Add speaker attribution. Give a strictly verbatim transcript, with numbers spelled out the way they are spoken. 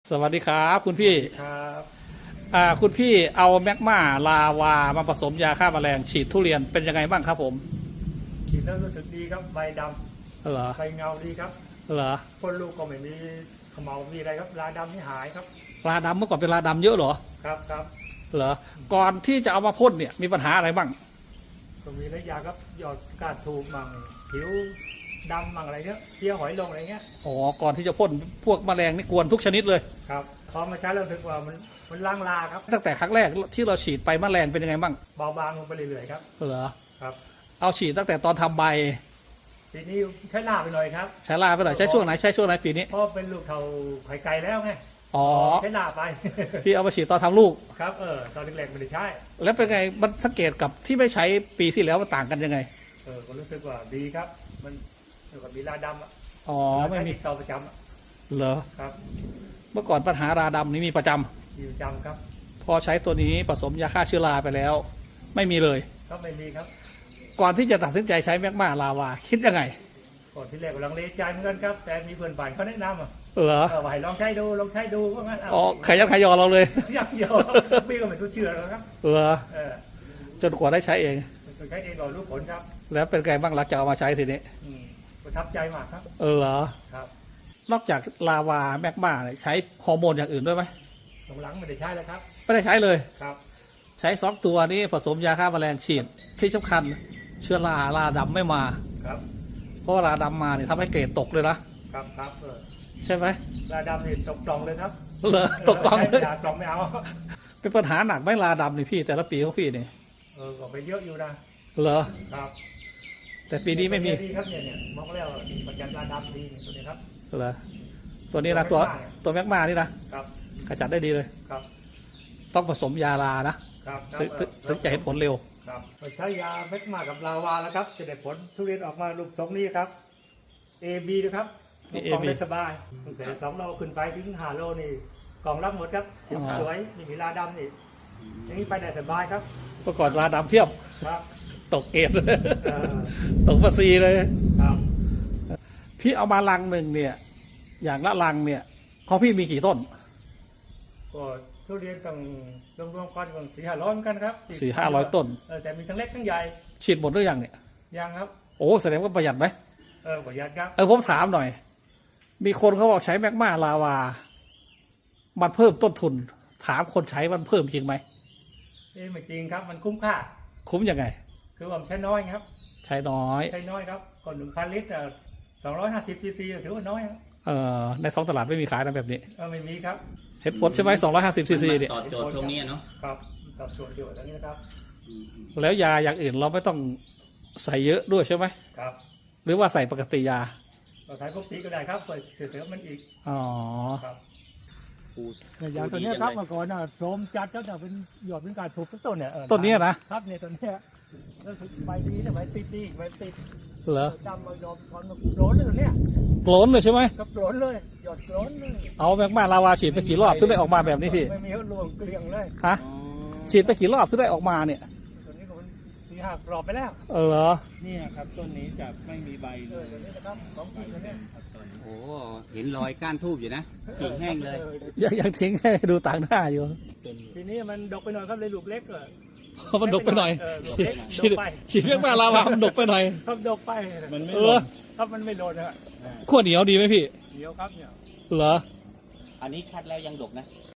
Speaker 1: สวัสดีครับคุณพี่
Speaker 2: ครับ
Speaker 1: อ่าคุณพี่เอาแมกมาลาวามาผสมยาฆ่าแมลงฉีดทุเรียนเป็นยังไงบ้างครับผม
Speaker 2: ฉีดแล้วรู้สึกดีครับใบด
Speaker 1: เหรอ
Speaker 2: ำใบเงาดีครับ
Speaker 1: เหรอ
Speaker 2: พ่นลูกก็ไม่มีเขมเหลามีอะไรครับราดำนี่หายครับ
Speaker 1: ลาดำเมื่อก่อนเป็นลาดำเยอะเหรอ
Speaker 2: ครับครับ
Speaker 1: เหรอก่อนที่จะเอามาพ่นเนี่ยมีปัญหาอะไรบ้าง
Speaker 2: ก็มีระยะครับหยอดกาดถูกมั่งผิวดำมั่งอะไรเงี้ยเพี้ยหอยลงอะไรเงี้ย
Speaker 1: อ๋อก่อนที่จะพ่นพวกแมลงนี่กวนทุกชนิดเลย
Speaker 2: ครับพอมาใช้แล้วรู้สึกว่ามันมันล้างลาครับ
Speaker 1: ตั้งแต่ครั้งแรกที่เราฉีดไปแมลงเป็นยังไงบ้าง
Speaker 2: เบาบางลงไปเรื่อยๆครับ
Speaker 1: เหรอ
Speaker 2: ครับ
Speaker 1: เอาฉีดตั้งแต่ตอนทำใบ
Speaker 2: ทีนี้ใช้ลาไปหน่อยครับ
Speaker 1: ใช้ลาไปหน่อยใช้ช่วงไหนใช้ช่วงไหนปีนี้
Speaker 2: เพราะเป็นลูกเท่าไข่ไก่แล้วไง
Speaker 1: อ๋อ
Speaker 2: ใช้ลาไป
Speaker 1: พี่เอามาฉีดตอนทำลูก
Speaker 2: ครับเออตอนแรกๆไม่ได้ใช้
Speaker 1: แล้วเป็นไงมันสังเกตกับที่ไม่ใช้ปีที่แล้วมันต่างกันยังไง
Speaker 2: เออก็รู้สึกว่าดีครับมันเกี่ยวกับมีราดำอ่ะ
Speaker 1: อ๋อไม่มี
Speaker 2: เตาประจ
Speaker 1: ำเหรอ
Speaker 2: ครับ
Speaker 1: เมื่อก่อนปัญหาราดำนี้มีประจ
Speaker 2: ำอยู่ประจำครับ
Speaker 1: ำพอใช้ตัวนี้ผสมยาฆ่าเชื้อราไปแล้วไม่มีเลย
Speaker 2: ก็ไม่มีครับ
Speaker 1: ก่อนที่จะตัดสินใจใช้แมกมาลาวาคิดยังไง
Speaker 2: ก่อนที่แรกก็ลังเลใจเหมือนกันครับแต่มีเพื่อนบ้านเขาแนะนำอ่ะ
Speaker 1: เหรอ
Speaker 2: เออว่าให้ลองใช้ดูลองใช้ดูว่างั้น
Speaker 1: อ๋อขยันขยอเราเลย
Speaker 2: ยักยอพี่ก็ไม่ทุเชื่อแล้วครับ
Speaker 1: เหรอ
Speaker 2: เออ
Speaker 1: จนกว่าได้ใช้เอง
Speaker 2: ใช้เองก่อนรู้ผลครับ
Speaker 1: แล้วเป็นไงบ้างหลังจากเอามาใช้ทีนี้
Speaker 2: ประทับใจมากครับ
Speaker 1: เออเหรอ
Speaker 2: ครับ
Speaker 1: นอกจากลาวาแมกมาใช้ฮอร์โมนอย่างอื่นด้วยไหม
Speaker 2: หลังไม่ได้ใช้แล้วครับ
Speaker 1: ไม่ได้ใช้เลย
Speaker 2: ครับ
Speaker 1: ใช้สองตัวนี้ผสมยาฆ่าแมลงฉีดที่สำคัญเชื้อราราดำไม่มา
Speaker 2: ครับ
Speaker 1: เพราะราดำมาเนี่ยทำให้เกรดตกเลยนะครับ
Speaker 2: ครับเออ
Speaker 1: ใช่ไหม
Speaker 2: ราดำนี่ตกกล่องเลยครับ
Speaker 1: เหรอตกกล่องเลย
Speaker 2: กล่องไม่เอา
Speaker 1: เป็นปัญหาหนักไหมราดำนี่พี่แต่ละปีของพี่นี่
Speaker 2: เออก็ไปเยอะอยู่นะ
Speaker 1: เหรอ
Speaker 2: ครับ
Speaker 1: แต่ปีนี้ไม่มี
Speaker 2: ดีครับเนี่ยเนี่ยมองแล้วปัญญาราดำดีตัวนี้ครับ
Speaker 1: เหรอตัวนี้นะตัวตัวแมกมานี่นะครับขจัดได้ดีเลย
Speaker 2: ครับ
Speaker 1: ต้องผสมยาลานะครับถึงจะเห็นผลเร็ว
Speaker 2: ครับใช้ยาแมกมากับลาวาแล้วครับจะได้ผลทุเรียนออกมาลูกทรงนี้ครับ เอ บี นะครับกล่องได้สบายตั้งแต่สองโลขึ้นไปถึงห้าโลนี่กล่องรับหมดครับสวยนี่มีลาดำนี่อย่างนี้ไปได้สบายครับ
Speaker 1: เมื่อก่อนลาดำเพียบ
Speaker 2: ครับ
Speaker 1: ตกเกตตกภาษีเลย
Speaker 2: ครับ
Speaker 1: พี่เอามาลังหนึ่งเนี่ยอย่างละลังเนี่ยของพี่มีกี่ต้น
Speaker 2: ก็ทุเรียนต้องรวมๆกันสี่ห้าร้อยกันครับ
Speaker 1: สี่ห้าร้อยต้น
Speaker 2: แต่มีทั้งเล็กทั้งใหญ่
Speaker 1: ฉีดหมดหรือยังเนี่ย
Speaker 2: ยังครับ
Speaker 1: โอ้แสดงว่าประหยัดไหม
Speaker 2: เออประหยัดครับ
Speaker 1: เออผมถามหน่อยมีคนเขาบอกใช้แมกมาลาวามันเพิ่มต้นทุนถามคนใช้มันเพิ่มจริงไหม
Speaker 2: เอ้ไม่จริงครับมันคุ้มค่า
Speaker 1: คุ้มยังไง
Speaker 2: คือว่าใช้น้อยครับ
Speaker 1: ใช้น้อย
Speaker 2: ใช้น้อยครับก่อนหนึ่งพันลิตรสองร้อยห้าสิบซีซีถือว่าน้อย
Speaker 1: เออในท้องตลาดไม่มีขายนะแบบนี้
Speaker 2: เออไม่มีครับ
Speaker 1: เห็ดผลใช่ไหมสองร้อยห้าสิบซีซีเนี่ย
Speaker 3: ตอบโจทย์ตรงนี้เนาะ
Speaker 2: ครับตอบโจทย์อยู่ตรงนี้นะครับ
Speaker 1: แล้วยาอย่างอื่นเราไม่ต้องใส่เยอะด้วยใช่ไหม
Speaker 2: ครับ
Speaker 1: หรือว่าใส่ปกติยา
Speaker 2: เราใช้ปกติก็ได้ครับใส่เสริมมันอีก
Speaker 1: อ๋อ
Speaker 2: ครับยาตัวนี้ครับเมื่อก่อนน่ะโสมจัดก็จะเป็นหยอดเป็นการถูกต้นเนี่ย
Speaker 1: ต้นนี้นะครับ
Speaker 2: เนี่ยต้นนี้แล้วใบดีเนี่ยใบติดดีใบติด
Speaker 1: เหรอ
Speaker 2: จำมาหยอดตอนโกรนเลยตัวเนี้ย
Speaker 1: โกรนเลยใช่ไหม
Speaker 2: กับโกรนเลยหยอดโกรนเลย
Speaker 1: เอาแมกมาลาวาฉีดไปกี่รอบถึงได้ออกมาแบบนี้พี่
Speaker 2: ไม่มีรวมเกลียงเลย
Speaker 1: ฮะฉีดไปกี่รอบถึงได้ออกมาเนี่ย
Speaker 2: ตัวนี้ก็มันสี่ห้ารอบไปแล้ว
Speaker 1: เออเหรอ
Speaker 3: นี่ครับต้นนี้จะไม่มีใบเลย
Speaker 2: ตัวนี้นะครับสองปีตัวนี้
Speaker 3: โอ้เห็นรอยก้านทูบอยู่นะกิ่งแห้งเลย
Speaker 1: ยังยังทิ้งให้ดูต่างหน้าอยู่
Speaker 2: ทีนี้มันดกไปหน่อยครับเลยลูกเล็กเลย
Speaker 1: มันดกไปหน่อยฉีดแมกมาลาวามันดกไปหน่อย
Speaker 2: ครับดกไป
Speaker 3: มันไม่
Speaker 1: เออ
Speaker 2: ครับมันไม่โดนฮะ
Speaker 1: ขั้วเหนียวดีไหมพี่
Speaker 2: เหนียวครับเนี่ย
Speaker 1: เหรอ
Speaker 3: อันนี้คัดแล้วยังดกนะ